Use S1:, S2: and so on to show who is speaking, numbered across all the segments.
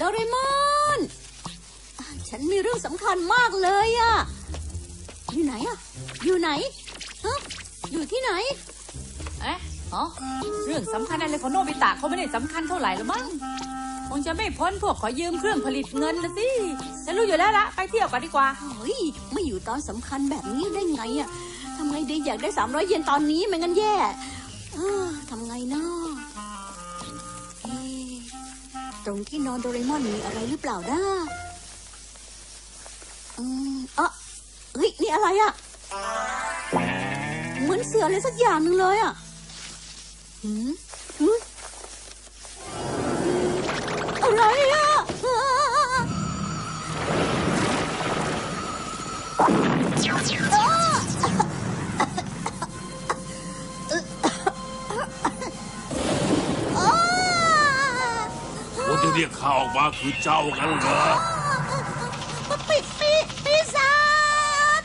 S1: โดเรมอนฉันมีเรื่องสำคัญมากเลยอะอยู่ไหนอะอยู่ไหนฮะอยู่ที่ไหน
S2: เอ๊ะเรื่องสำคัญอะไรของโนบิตะเขาไม่ได้สำคัญเท่าไหร่หรอกมั้งคงจะไม่พ้นพวกขอยืมเครื่องผลิตเงินนะสิฉันรู้อยู่แล้วละไปเที่ยวกันดีกว่า
S1: เฮ้ยไม่อยู่ตอนสำคัญแบบนี้ได้ไงอะทำไงดีอยากได้300 เยนตอนนี้ไม่งั้นแย่ทำไงเนาะตรงที่นอนโดเรมอนมีอะไรหรือเปล่านะเฮ้ยนี่อะไรอะเหมือนเสืออะไรสักอย่างหนึ่งเลยอะอะไรอะ
S3: คนที่เรียกข้าออกมาคือเจ้ากันเหรอ
S1: ปีศาจ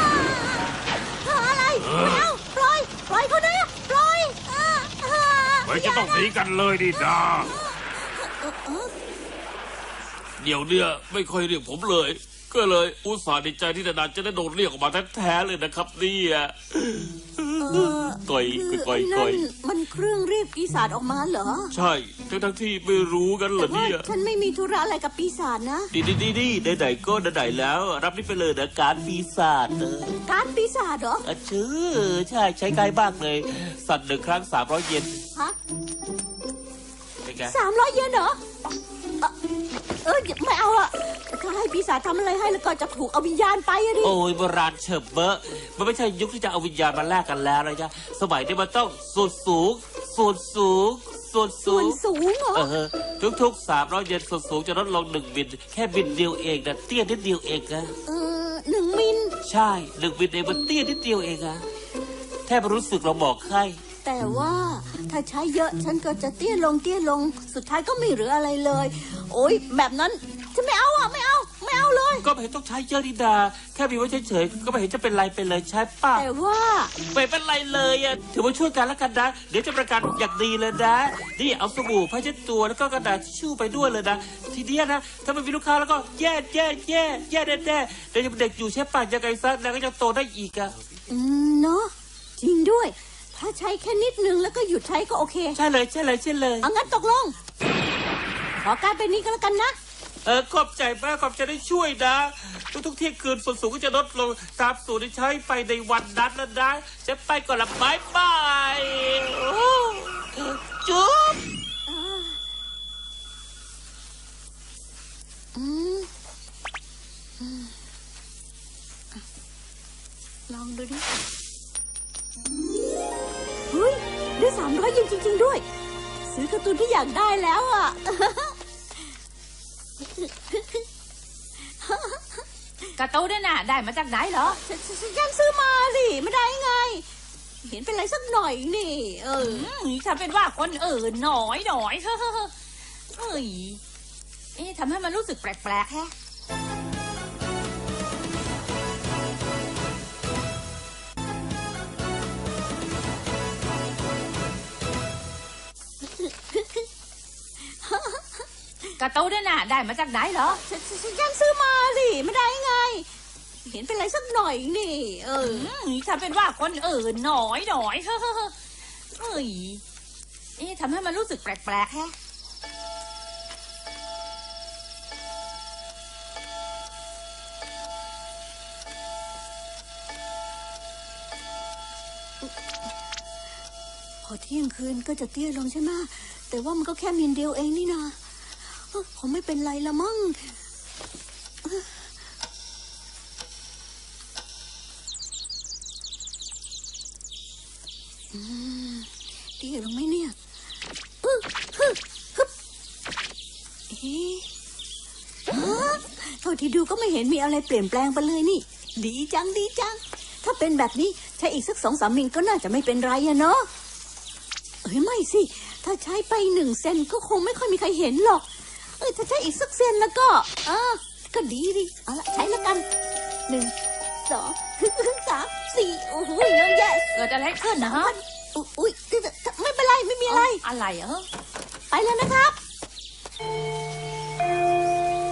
S1: อะไรไม่เอาปล่อยเขาด้วยปล่อย
S3: ไม่จะต้องหนีกันเลยดิดาเดี๋ยวเนี่ยไม่ค่อยเรียกผมเลยก็เลยอุตส่าห์ดีใจที่ดาจะได้โดนเรียกออกมาแท้ๆเลยนะครับเนี่ยก่อย
S1: มันเครื่องเรียกปีศาจออกมาเหรอ
S3: ใช่ทั้งที่ไม่รู้กันเหรอเนี่ย
S1: ฉันไม่มีธุระอะไรกับปีศาจนะ
S3: ดีไหนก็ไหนแล้วรับนี่ไปเลยนะการปีศาจ
S1: การปีศาจเหรอ
S3: ชื่อใช่ใช้ง่ายมากเลยสั่น1 ครั้ง300 เยน
S1: ฮะ300 เยนเหรอไม่เอาอะถ้าให้ปีศาจทำอะไรให้แล้วก็จะถูกเอาวิญญาณไปอะดิ
S3: โอ้ยโบราณเฉิบเบอะมันไม่ใช่ยุคที่จะเอาวิญญาณมาแลกกันแล้วนะจ๊ะสมัยนี้มันต้องส่วนสูง
S1: เหรอ
S3: ทุก300 เยนส่วนสูงจะลดลง1 มิลแค่มิลเดียวเองนะเตี้ยนิดเดียวเองนะ
S1: 1 มิล
S3: ใช่1 มิลเองมันเตี้ยนิดเดียวเองอะแทบรู้สึกเราบอกให้
S1: แต่ว่าถ้าใช้เยอะฉันก็จะเตี้ยลงสุดท้ายก็ไม่เหลืออะไรเลยโอ๊ยแบบนั้นฉันไม่เอาไม่เอาเลย
S3: ก็ไม่เห็นต้องใช้เยอะดีดาแค่มีไว้เฉยๆก็ไม่เห็นจะเป็นไรไปเลยใช่ป่ะ
S1: แต่ว่า
S3: ไม่เป็นไรเลยอะถือว่าช่วยกันแล้วกันนะเดี๋ยวจะประกันอย่างดีเลยนะนี่เอาสบู่ผ้าเช็ดตัวแล้วก็กระดาษทิชชู่ไปด้วยเลยนะทีเดียวนะถ้าไม่มีลูกค้าแล้วก็แย่แน่เดี๋ยวยังเด็กอยู่ใช่ป่ะยังไงซะแล้วก็จะโตได้อีกอะ
S1: เนาะจริงด้วยถ้าใช้แค่นิดนึงแล้วก็หยุดใช้ก็โอเค
S3: ใช่เลย
S1: เอางั้นตกลงขอการเป็นนี้ก็แล้วกันนะ
S3: ขอบใจมากขอบใจได้ช่วยนะทุกเที่ยงคืนส่วนสูงก็จะลดลงตามสูตรที่ใช้ไปในวันนั้นแล้วนะจะไปก่อนละบายจุ๊บ
S1: ลองดูดิเฮ้ยได้300 เยนจริงๆด้วยซื้อการ์ตูนที่อยากได้แล้วอ่ะ
S2: การ์ตูนเนี่ยนะได้มาจากไหนเหรอ
S1: ฉันซื้อมาสิไม่ได้ไงเห็นเป็นไรสักหน่อยนี่
S2: ฉันเป็นว่าคนอื่นหน่อยเฮ้ยทำให้มันรู้สึกแปลกๆแฮะการ์ตูนเนี่ยนะได้มาจากไหนเหรอ
S1: ฉันซื้อมาสิไม่ได้ไงเห็นเป็นไรสักหน่อยนี่
S2: ฉันเป็นว่าคนอื่นหน่อยเฮ้ยทำให้มันรู้สึกแปลกๆแฮะ
S1: พอเที่ยงคืนก็จะเตี้ยลงใช่ไหมแต่ว่ามันก็แค่มิลเดียวเองนี่นะคงไม่เป็นไรละมั้งเตี้ยลงไหมเนี่ยเท่าที่ดูก็ไม่เห็นมีอะไรเปลี่ยนแปลงไปเลยนี่ดีจังถ้าเป็นแบบนี้ใช้อีกสัก2-3 มิลก็น่าจะไม่เป็นไรอะเนาะไม่สิถ้าใช้ไป1 เซนก็คงไม่ค่อยมีใครเห็นหรอกถ้าใช้อีกสักเซนแล้วก็ดีเอาละใช้แล้วกัน1 2 3 4โอ้โหเยอะแยะ
S2: เกิดอะไรขึ้นนะฮะ
S1: อุ้ยไม่เป็นไรไม่มีอะไร
S2: อะไร
S1: ไปแล้วนะครับ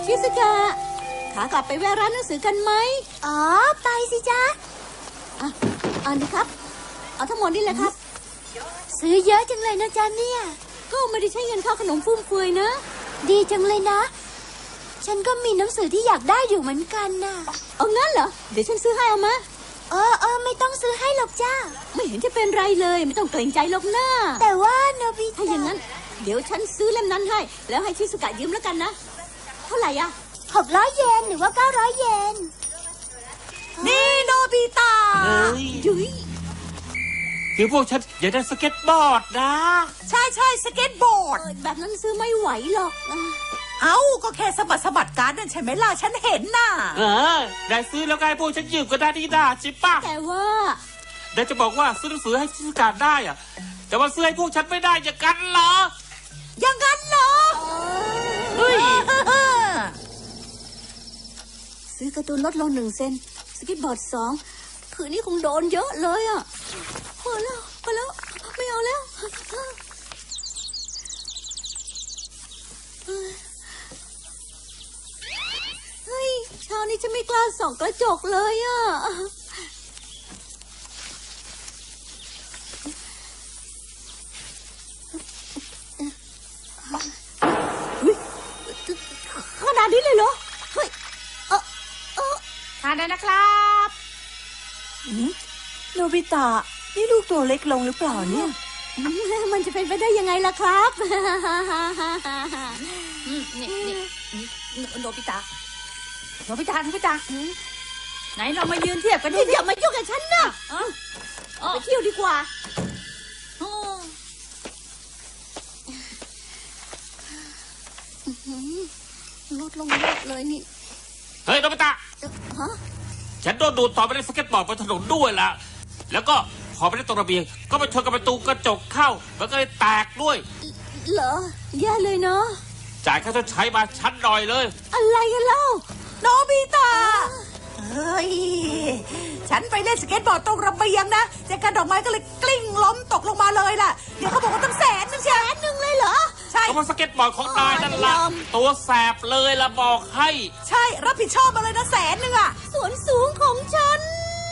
S1: ชิสกะขากลับไปแวะร้านหนังสือกันไหมอ๋อไปสิจ๊ะอันนี้ครับเอาทั้งหมดนี่แหละครับซื้อเยอะจังเลยนะจ๊ะเนี่ยก็ไม่ได้ใช้เงินค่าขนมฟุ่มเฟือยนะดีจังเลยนะฉันก็มีหนังสือที่อยากได้อยู่เหมือนกันน่ะเอางั้นเหรอเดี๋ยวฉันซื้อให้เอามาไม่ต้องซื้อให้หรอกจ้าไม่เห็นจะเป็นไรเลยไม่ต้องเกรงใจหรอกนะแต่ว่าโนบิถ้าอย่างนั้นเดี๋ยวฉันซื้อเล่มนั้นให้แล้วให้ชิสุกะยืมแล้วกันนะเท่าไหร่อะ600 เยนหรือว่า900 เยนนี่โนบิตะ
S3: เฮ้ย
S1: ยุ้ย
S3: คือพวกฉันอยากได้สเก็ตบอร์ดนะ
S4: ใช่สเก็ตบอร์ด
S1: แบบนั้นซื้อไม่ไหวหรอก
S4: เอ้าก็แค่สะบัดการ์ดนั่นใช่ไหมล่ะฉันเห็นน่ะ
S3: ได้ซื้อแล้วไงพวกฉันยืมก็ได้นี่นาจิป่ะ
S1: แต่ว่า
S3: ได้จะบอกว่าซื้อหนังสือให้ชิสกาได้อะแต่ว่าซื้อให้พวกฉันไม่ได้อย่างกันเหรอ
S4: อย่างนั้นเหรอ
S3: เฮ้ย
S1: ซื้อการ์ตูนลดลง1 เซนสเก็ตบอร์ด2คืนนี้คงโดนเยอะเลยอ่ะพอแล้วไม่เอาแล้วเฮ้ยเช้านี้ฉันไม่กล้าส่องกระจกเลยอ่ะขนาดนี้เลยเหรอเฮ้ย
S2: ทานได้นะครับ
S4: โนบิตะนี่ลูกตัวเล็กลงหรือเปล่าเนี่ย
S1: มันจะเป็นไปได้ยังไงล่ะครับ
S2: นี่โนบิตะไหนเรามายืนเทียบกันดู
S1: อย่ามายุ่งกับฉันนะไปเที่ยวดีกว่าลดลงเยอะเลยนี่
S3: เฮ้ยโนบิตะ
S1: ฮะ
S3: ฉันโดนดูดต่อไปในสเก็ตบอร์ดบนถนนด้วยล่ะแล้วก็พอไปได้ตรงระเบียงก็ไปชนกับประตูกระจกเข้ามันก็เลยแตกด้วย
S1: เหรอแย่เลยเนาะ
S3: จ่ายค่าชดใช้มาชั้นหน่อยเลย
S1: อะไรกันเล่า
S4: โนบิตะเฮ้ยฉันไปเล่นสเก็ตบอร์ดตรงระเบียงนะแต่กระดอกไม้ก็เลยกลิ้งล้มตกลงมาเลยล่ะเดี๋ยวเขาบอกว่าตั้ง100,000ใช่ไหม1เลยเหรอใช่
S3: ก็เพราะสเก็ตบอร์ดของนายนั่นล่ะตัวแสบเลยละบอกให้
S4: ใช่รับผิดชอบมาเลยนะ100,000อ่ะ
S1: ส่วนสูงของฉัน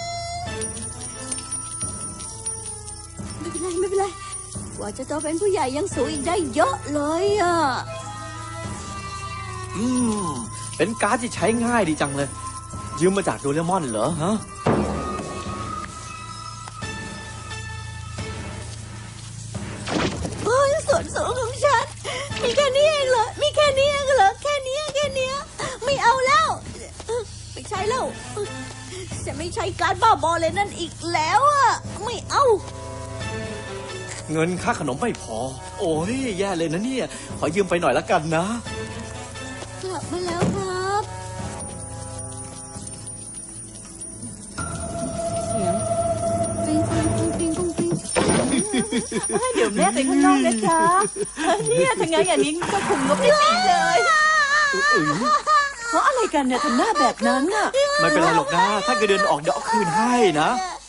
S1: ไม่เป็นไรกว่าจะโตเป็นผู้ใหญ่ยังสูงอีกได้เยอะเลยอ่ะ
S5: เป็นการ์ดที่ใช้ง่ายดีจังเลย ยืมมาจากโดเรมอนเหรอฮะ
S1: โอ้ยส่วนสูงของฉันมีแค่นี้เองเหรอมีแค่นี้เองเหรอแค่นี้ไม่เอาแล้วไม่ใช่แล้วจะไม่ใช้การบ้าบอเลยนั่นอีกแล้วอ่ะไม่เอา
S5: เงินค่าขนมไม่พอ โอ้ยแย่เลยนะเนี่ย ขอยืมไปหน่อยละกันนะ
S1: กลับมาแล้วครับเสียงปิ้ง
S4: เดี๋ยวแม่ไปข้างนอกนะจ๊ะเนี่ยถ้างั้นอย่างนี้ก็คุมงบไม่ติดเลยเพราะอะไรกันเนี่ยทำหน้าแบบนั้นอ่ะ
S5: ไม่เป็นไรหรอกนะ ถ้าเกิดเดินออกเดี๋ยวเอาคืนให้นะ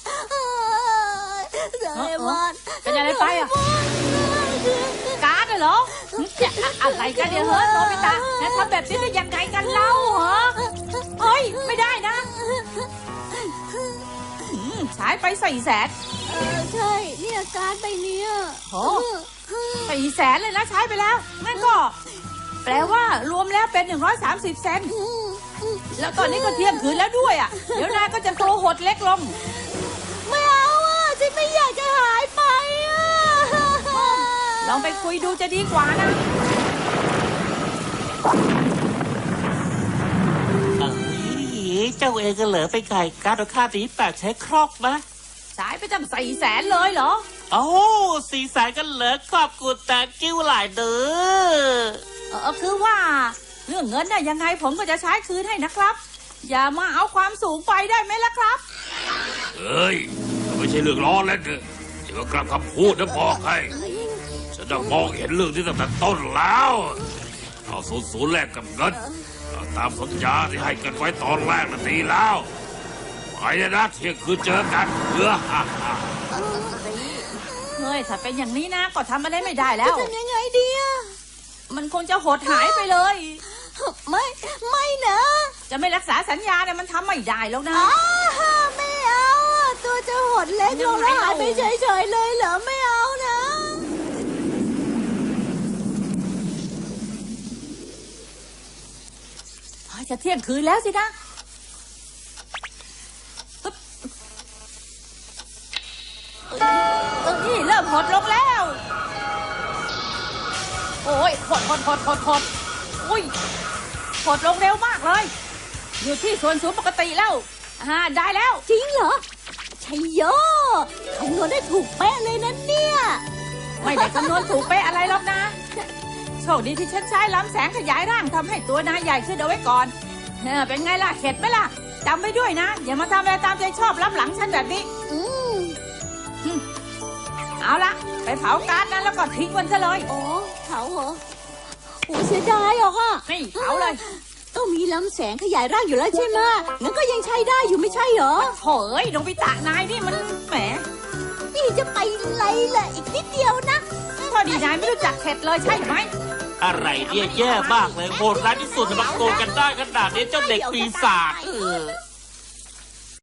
S2: เป็นอะไรไปอ่ะการ์ดเหรอจะอะไรกันเนี่ยเฮ้ยโนบิตะแล้วทำแบบนี้ได้ยังไงกันเล่าเหรอเฮ้ยไม่ได้นะใช้ไป400,000
S1: ใช่เนี่ยการ์ดใบเนี้ย
S2: โอ้400,000เลยนะใช้ไปแล้วงั้นก็ แปลว่ารวมแล้วเป็น130 เซนต์แล้วตอนนี้ก็เที่ยงคืนแล้วด้วยอ่ะเดี๋ยวนายก็จะโตหดเล็กลง
S1: ไม่เอาอ่ะฉันไม่อยากจะหายไปอ่ะ
S2: ลองไปคุยดูจะดีกว่านะ
S3: เจ้าเองก็เหลือไปไก่การ์ดค่าตีแปดใช้ครอกนะ
S2: สายไปตั้ง400,000เลยเหรอ
S3: โอ้400,000กันเหลือขอบคุณแต่กิ้วหลายเด้อ
S2: คือว่าเรื่องเงินน่ะยังไงผมก็จะใช้คืนให้นะครับ อย่ามาเอาความสูงไปได้ไหมล่ะครับ
S6: เฮ้ยไม่ใช่เรื่องล้อเล่นเด้ออย่ามากลับคำพูดนะบอกให้ฉันต้องมองเห็นเรื่องที่ตั้งแต่ต้นแล้วเอา00แลกกับเงินเอาตามสัญญาที่ให้กันไว้ตอนแรกนั่นดีแล้วไปนะเที่ยงคืนเจอกัน
S2: เฮ้ยถ้าเป็นอย่างนี้นะก็ทำอะไรไม่ได้แล้ว
S1: จะทำยังไงดีอ่ะ
S2: มันคงจะหดหายไปเลย
S1: ไม่นะ
S2: จะไม่รักษาสัญญาเนี่ยมันทำไม่ได้แล้วนะ
S1: อ้าไม่เอาอะตัวจะหดเล็กลงแล้วหายไปเฉยๆเลยเหรอไม่เอานะ
S2: จะเที่ยงคืนแล้วสินะนี่เริ่มหดลงแล้ว โอ้ยหดอุ้ยหดลงเร็วมากเลย อยู่ที่ส่วนสูงปกติแล้วได้แล้ว
S1: จริงเหรอชัยโยคำนวณได้ถูกเป๊ะเลยนะเนี่ย
S2: ไม่ได้คำนวณถูกเป๊ะอะไรหรอกนะ โชคดีที่ฉันใช้ล้ำแสงขยายร่างทำให้ตัวนายใหญ่ขึ้นเอาไว้ก่อนเป็นไงล่ะเข็ดไหมล่ะจำไว้ด้วยนะ อย่ามาทำอะไรตามใจชอบล้ำหลังฉันแบบนี้ เอาละไปเผาการ์ดนั้นแล้วก็ทิ้งมันซะเลย
S1: โอ้เผาเหรอโอ้เสียดายหรอกอ่ะ
S2: นี่เผาเลย
S1: ต้องมีลำแสงขยายร่างอยู่แล้วใช่ไหมงั้นก็ยังใช้ได้อยู่ไม่ใช่เหรอ
S2: โถ่เอ้ยโนบิตะนายนี่มันแหม
S1: นี่จะไปไรล่ะอีกนิดเดียวนะ
S2: พอดีนายไม่รู้จักเข็ดเลยใช่ไหม
S3: อะไรเนี่ยแย่มากเลยโหดร้ายที่สุดมาโกงกันได้ขนาดนี้เจ้าเด็กปีศาจ